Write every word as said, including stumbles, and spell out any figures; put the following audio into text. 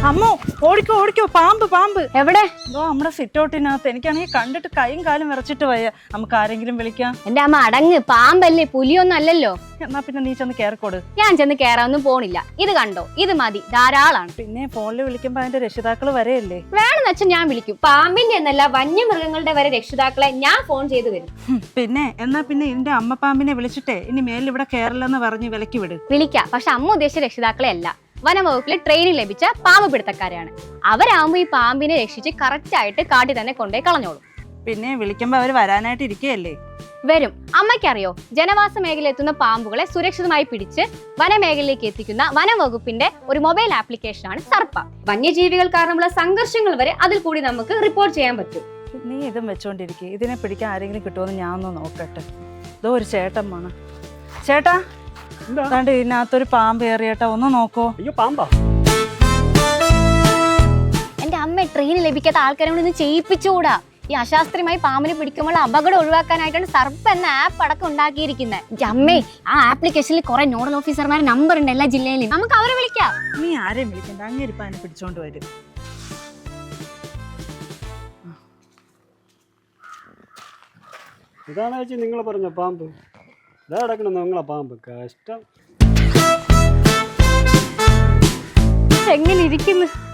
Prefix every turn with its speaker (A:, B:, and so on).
A: അമ്മോ ഓടിക്കോ ഓടിക്കോ പാമ്പ് പാമ്പ്
B: എവിടെ?
A: എന്തോ നമ്മുടെ സിറ്റൗട്ടിനകത്ത്. എനിക്കാണെങ്കിൽ കണ്ടിട്ട് കൈയും കാലും വിറച്ചിട്ട് വയ്യ. നമുക്ക് ആരെങ്കിലും വിളിക്കാം.
B: എന്റെ അമ്മ അടങ്ങ്, പാമ്പല്ലേ, പുലിയൊന്നും അല്ലല്ലോ.
A: എന്നാ പിന്നെ നീ ചെന്ന് കേറിക്കോട്.
B: ഞാൻ ചെന്ന് കേറാനൊന്നും പോണില്ല. ഇത് കണ്ടോ, ഇത് മതി, ധാരാളാണ്.
A: പിന്നെ ഫോണിൽ വിളിക്കുമ്പോ അതിന്റെ രക്ഷിതാക്കള് വരെയല്ലേ?
B: വേണമെന്ന് വെച്ചാൽ ഞാൻ വിളിക്കും. പാമ്പിന്റെ എന്നല്ല, വന്യമൃഗങ്ങളുടെ വരെ രക്ഷിതാക്കളെ ഞാൻ ഫോൺ ചെയ്ത് വരും.
A: പിന്നെ എന്നാ പിന്നെ ഇതിന്റെ അമ്മ പാമ്പിനെ വിളിച്ചിട്ടേ ഇനി മേലിൽ ഇവിടെ കേരളെന്ന് പറഞ്ഞ് വിലക്കി വിട്.
B: വിളിക്കാം, പക്ഷെ അമ്മ ഉദ്ദേശിച്ച രക്ഷിതാക്കളെ അല്ല. വനംവകുപ്പിലെ ട്രെയിനിങ് ലഭിച്ച പാമ്പ് പിടുത്തക്കാരാണ്. അവരാകുമ്പോ ഈ പാമ്പിനെ രക്ഷിച്ച് കറക്റ്റ് ആയിട്ട് കാട്ടിൽ തന്നെ കൊണ്ടുപോയി കളഞ്ഞോളും.
A: പിന്നെ വിളിക്കുമ്പോ അവര് വരാനായിട്ട് ഇരിക്കുകയല്ലേ?
B: വരും. അമ്മയ്ക്കറിയോ, ജനവാസ മേഖലയിൽ എത്തുന്ന പാമ്പുകളെ സുരക്ഷിതമായി പിടിച്ച് വനമേഖലയിലേക്ക് എത്തിക്കുന്ന വനം വകുപ്പിന്റെ ഒരു മൊബൈൽ ആപ്ലിക്കേഷനാണ് സർപ്പ. വന്യജീവികൾ കാരണമുള്ള സംഘർഷങ്ങൾ വരെ അതിൽ കൂടി നമുക്ക് റിപ്പോർട്ട് ചെയ്യാൻ പറ്റും.
A: നീ ഇതും വെച്ചോണ്ടിരിക്കും. ഇതിനെ പിടിക്കാൻ ആരെങ്കിലും കിട്ടുമെന്ന് ഞാൻ ഒന്ന് നോക്കട്ടെ. ഇതോ ഒരു ചേട്ടൻ വേണം. ചേട്ടാ, എന്താണ്ട് ഇതിനകത്തൊരു പാമ്പ് ഏറിയേട്ടാ, ഒന്ന് നോക്കോ.
C: അയ്യോ, പാമ്പാ?
B: എന്റെ അമ്മ ട്രെയിൻ ലഭിക്കാത്ത ആൾക്കാരെ കൊണ്ട് ഇന്ന് ചെയ്യിപ്പിച്ചുകൂടാ. ഈ അശാസ്ത്രീയമായി പാമ്പിനെ പിടിക്കുമ്പോൾ അപകടം ഒഴിവാക്കാനായിട്ടാണ് സർപ്പ എന്ന ആപ്പ് അടക്കം ഉണ്ടാക്കിയിരിക്കുന്നത്. അമ്മേ, ആ ആപ്ലിക്കേഷനിൽ കുറെ നോഡൽ ഓഫീസർമാരുടെ നമ്പർ ഉണ്ട് എല്ലാ ജില്ലയിലും. നമുക്ക് അവരെ വിളിക്കാം.
A: നീ ആരെയും വിളിക്കണ്ട, അങ്ങേരിപ്പ അതിനെ പിടിച്ചോണ്ട് വരും.
C: ഇതാണ് ചേച്ചി നിങ്ങൾ പറഞ്ഞ പാമ്പ്. ഇതാ കിടക്കണം നിങ്ങളെ പാമ്പ്. കഷ്ടം.
B: എങ്ങനെ ഇരിക്കുന്നു?